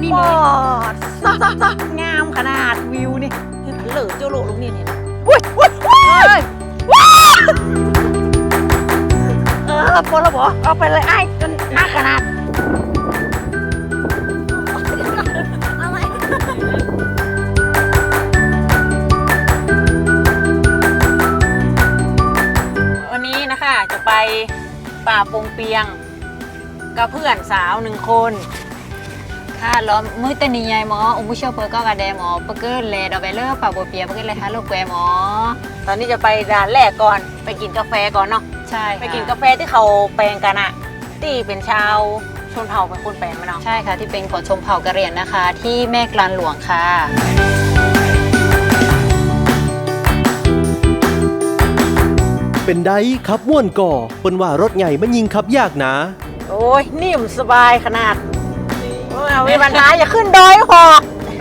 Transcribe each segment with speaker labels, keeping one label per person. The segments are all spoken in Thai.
Speaker 1: นี่เลย
Speaker 2: งามขนาดวิวนี่เหลือเจ้าโลลูกนี่นี่
Speaker 1: อุ้ย
Speaker 2: พอแล้วบอกเอาไปเลยไอ้จนหนักขนาดอะไรวันนี้นะคะจะไปป่าปงเปียงกับเพื่อนสาว1 คน
Speaker 1: ค่ะล้อมมือตะนีใหญ่หมออุ้มผู้เชี่ยวเพอก็กระแดหมอปะเกิดแลดอกไปเลิกป่าบัวเปียปะเกิดเลยฮะลูกแกหมอ
Speaker 2: ตอนนี้จะไปด่านแรกก่อนไปกินกาแฟก่อนเนาะ
Speaker 1: ใช่
Speaker 2: ไปกินกาแฟที่เขาแปลงกันอะที่เป็นชาวชนเผ่าเป็นคนแปลงมาเนาะ
Speaker 1: ใช่ค่ะที่เป็นของชมเผ่ากะเหรี่ยงนะคะ ที่แม่กลานหลวงค่ะ
Speaker 3: เป็นไดขับม่วนก่อเปิ้นว่ารถใหญ่มันยิงขับยากนะ
Speaker 2: โอ้ยนิ่มสบายขนาดโอ้ยเอาไว้บรรทัดอย่าขึ้นดอยหอก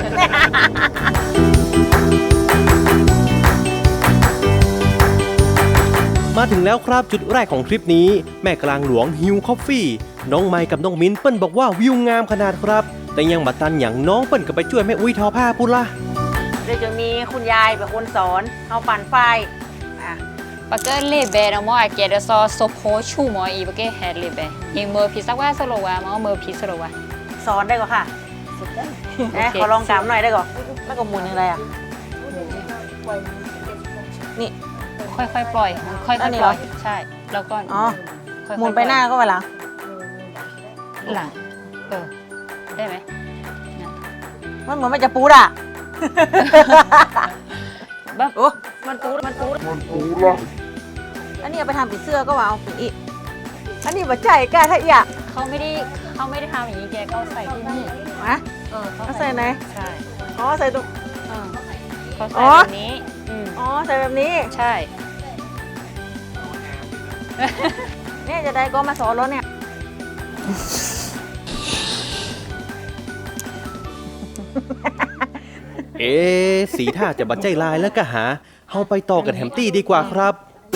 Speaker 3: มาถึงแล้วครับจุดแรกของทริปนี้แม่กลางหลวงฮิวคอฟฟี่น้องไมค์กับน้องมิ้นเปิ้นบอกว่าวิวงามขนาดครับ แต่ยังบัตันอย่างน้องเปิ้นก็ไปช่วยแม่อุ้ยทอผ้าพุ่นละ
Speaker 2: เดี๋ยวจะมีคุณยายเป็นคนสอนเอาปั่นไฟอ่ะ
Speaker 1: ปะเกิดเลเบนะหมอเกเดซอโซโพชูหมออีปะเกิดแฮดเลเบยิงเมอร์พีสักว่าสโลวาหมอเมอร์พีสโลวา
Speaker 2: สอนได้ก่อนค่ะนะขอลองกำหน่อยได้ก่อนแล้วก็หมุนยังไงอ่ะนี่
Speaker 1: ค่อยๆปล่อยค่อยๆปล่อยใช่แล้วก็
Speaker 2: อ๋อ
Speaker 1: ค่อยๆ
Speaker 2: หมุนไปหน้าก็ไปหลัง
Speaker 1: หลังได้ไหม
Speaker 2: มันเหมือนมันจะปูดอ่ะ
Speaker 1: บ้า
Speaker 2: โอ้มันปูดละอันนี้เอาไปทำผีเสื้อก็ว่าเอาอีกอันนี้มาใจกล้าถ้าอีกอ่ะ
Speaker 1: เขาไม่ได้ทำอย่างนี้แกก็ใส่ที่นี่
Speaker 2: ฮะ เขาใส่ไหน
Speaker 1: ใช่
Speaker 2: อ๋อใส่ตรง
Speaker 1: เขาใส่แบบนี้
Speaker 2: อ๋อใส่แบบนี้
Speaker 1: ใช่
Speaker 2: เนี่ยจะได้ก็มาสอนรถเนี่ย
Speaker 3: สีท่าจะบัดใจลายแล้วก็หาเฮาไปต่อกันแฮมตี้ดีกว่าครับ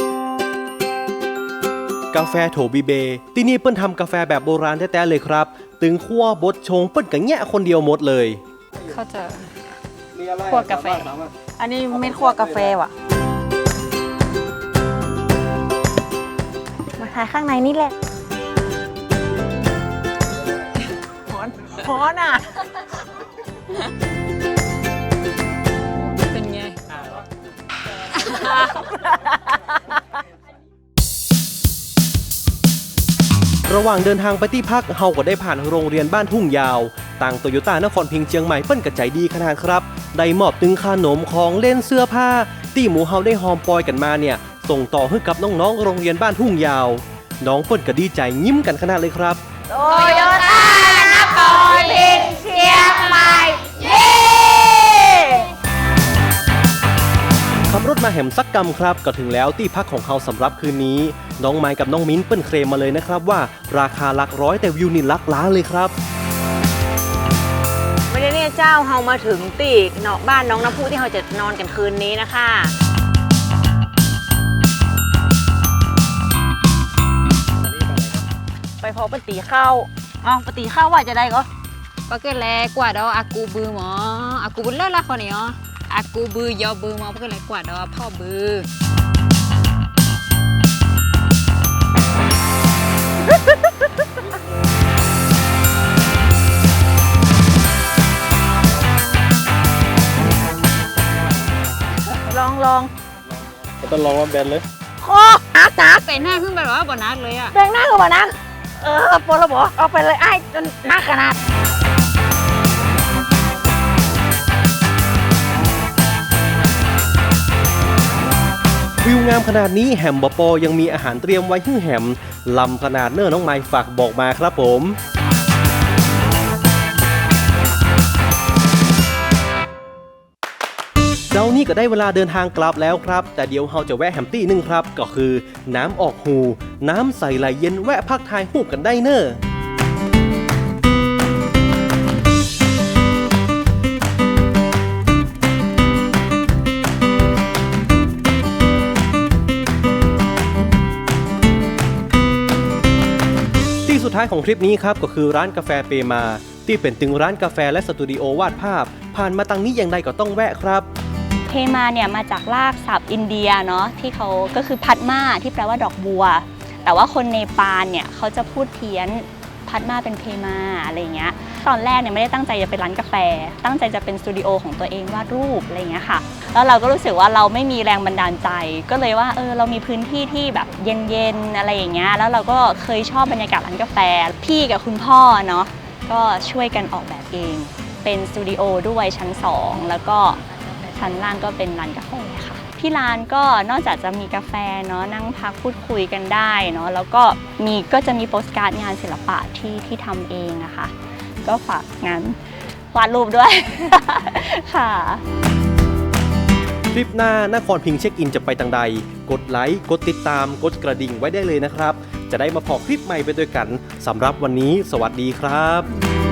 Speaker 3: กาแฟโถบีเบที่นี่เปิ้นทำกาแฟแบบโบราณแท้ๆเลยครับตึงคั่วบดชงเปิ้นก็แงะคนเดียวหมดเลย
Speaker 1: เขาจะคั่วกาแฟ
Speaker 2: อันนี้เม็ดคั่วกาแฟว่ะ มาถ่ายข้างในนี่แหละฮ้อนอ่ะ
Speaker 1: เป็นไง
Speaker 3: ระหว่างเดินทางไปที่พักเฮาก็ได้ผ่านโรงเรียนบ้านทุ่งยาวต่างโตโยต้านครพิงค์เชียงใหม่เปิ้นกระใจดีขนาดครับได้มอบตึงขนมของเล่นเสื้อผ้าที่หมูเฮาได้หอมปอยกันมาเนี่ยส่งต่อให้กับน้องๆโรงเรียนบ้านทุ่งยาวน้องเปิ้นก็ดีใจยิ้มกันขนาดเลยครับ
Speaker 2: โตโยต้านครพิงค์เชียงใหม่เย้
Speaker 3: ขับรถมาแหมสักกำครับก็ถึงแล้วที่พักของเขาสำหรับคืนนี้น้องไมค์กับน้องมิ้นเปิ้นเคลมมาเลยนะครับว่าราคาหลักร้อยแต่วิวนี่หลักล้านเลยครับ
Speaker 2: ไม่ได้เนี่ยเจ้าเฮามาถึงตีกเนาะบ้านน้องน้ำพุที่เราจะนอนกันคืนนี้นะคะไปพอปตีข้าวอ๋อปตีข้าวว่าจะได้ก็
Speaker 1: ปะเกิดแลกว่าดออากูบือหมออากูบือเลิศละคนนี้อ๋ออากูบือยอบือหมอปะเกิดแลกว่าดอพ่อบือ
Speaker 2: ลอง
Speaker 3: ต้องลองว่าแบนเลย
Speaker 2: คอนัก
Speaker 1: ใส่หน้าขึ้นไปแบบว่าบ่นักเลยอ่ะ
Speaker 2: แบ่งหน้ากับบ่นักปวดระบบเอาไปเลยไอ้จนนักขนาด
Speaker 3: วิวงามขนาดนี้แฮมบอปอยังมีอาหารเตรียมไว้ให้แฮมลำขนาดเน้อน้องไมค์ฝากบอกมาครับผมเจ้านี่ก็ได้เวลาเดินทางกลับแล้วครับแต่เดี๋ยวเราจะแวะแฮมตี้นึงครับก็คือน้ำออกหูน้ำใสไหลเย็นแวะพักทายหูบกันได้เน้อ ที่สุดท้ายของทริปนี้ครับก็คือร้านกาแฟเปมาที่เป็นตึงร้านกาแฟและสตูดิโอวาดภาพ ผ่านมาตังนี้อย่างไรก็ต้องแวะครับ
Speaker 4: เพมาเนี่ยมาจากรากศัพท์อินเดียเนาะที่เขาก็คือพัดมาที่แปลว่าดอกบัว แต่ว่าคนเนปาลเนี่ยเขาจะพูดเพี้ยนพัดมาเป็นเพมาอะไรเงี้ยตอนแรกเนี่ยไม่ได้ตั้งใจจะเป็นร้านกาแฟตั้งใจจะเป็นสตูดิโอของตัวเองวาดรูปอะไรเงี้ยค่ะแล้วเราก็รู้สึกว่าเราไม่มีแรงบันดาลใจก็เลยว่าเรามีพื้นที่ที่แบบเย็นๆอะไรอย่างเงี้ยแล้วเราก็เคยชอบบรรยากาศร้านกาแฟพี่กับคุณพ่อเนาะก็ช่วยกันออกแบบเองเป็นสตูดิโอด้วยชั้น2แล้วก็ชั้นล่างก็เป็นร้านกาแฟค่ะที่ร้านก็นอกจากจะมีกาแฟเนาะนั่งพักพูดคุยกันได้เนาะแล้วก็จะมีโปสการ์ดงานศิลปะที่ทำเองอะค่ะก็ฝากงานวาดรูปด้วย ค่ะ
Speaker 3: คลิปหน้านครพิงค์เช็คอินจะไปทางใดกดไลค์กดติดตามกดกระดิ่งไว้ได้เลยนะครับจะได้มาพอคลิปใหม่ไปด้วยกันสำหรับวันนี้สวัสดีครับ